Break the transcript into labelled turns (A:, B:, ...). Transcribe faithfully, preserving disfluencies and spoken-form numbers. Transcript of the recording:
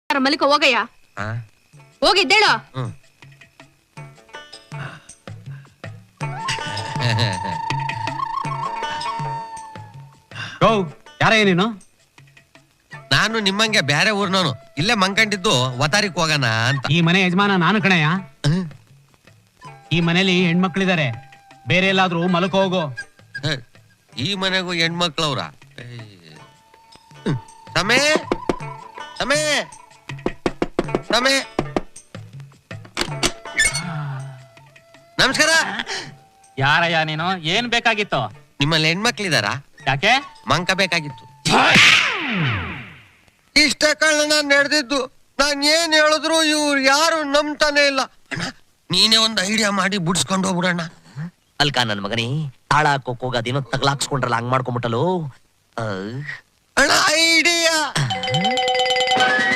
A: ಮಲಿಕ ಹೋಗಯ್ಯ. ಹೋಗಿದ್ದೇಳು.
B: ಯಾರ ನೀನು?
C: ನಾನು ನಿಮ್ಮಂಗೆ ಬ್ಯಾರೆ ಊರ್ನವನು. ಇಲ್ಲೇ ಮಂಕಂಡಿದ್ದು ವತಾರಿಕ್ ಹೋಗೋಣ ಅಂತ.
B: ಈ ಮನೆ ಯಜಮಾನ ನಾನು ಕಣಯ್ಯ. ಈ ಮನೇಲಿ ಹೆಣ್ಮಕ್ಳಿದಾರೆ, ಬೇರೆ ಎಲ್ಲಾದ್ರೂ ಮಲಕ ಹೋಗೋ.
C: ಈ ಮನೆಗೂ ಹೆಣ್ಮಕ್ಳವ್ರ? ಸಮೇ ಸಮೇ ಸಮೇ ನಮಸ್ಕಾರ.
D: ಯಾರಯ್ಯ ನೀನು? ಏನ್ ಬೇಕಾಗಿತ್ತು?
C: ನಿಮ್ಮಲ್ಲಿ ಹೆಣ್ಮಕ್ಳಿದಾರ?
D: ಯಾಕೆ?
C: ಮಂಕ ಬೇಕಾಗಿತ್ತು. ಇಷ್ಟ ಕಳ್ಳ ನಾನ್ ನಡೆದಿದ್ದು. ನಾನ್ ಏನ್ ಹೇಳಿದ್ರು ಇವ್ರು ಯಾರು ನಂಬ್ತಾನೆ ಇಲ್ಲ. ಅಣ್ಣ ನೀನೇ ಒಂದ್ ಐಡಿಯಾ ಮಾಡಿ ಬಿಡ್ಸ್ಕೊಂಡು ಹೋಗ್ಬಿಡಣ್ಣ.
E: ಅಲ್ಕ ನನ್ ಮಗನಿ, ತಾಳ ಹಾಕೋಕ್ ಹೋಗ ಅದೇನೋ ತಗ್ಲಾಕ್ಸ್ಕೊಂಡ್ರಲ್ಲ, ಹಂಗ್ ಮಾಡ್ಕೊಂಬಿಟ್ಟಲು.
C: ಅಣ್ಣ ಐಡಿಯಾ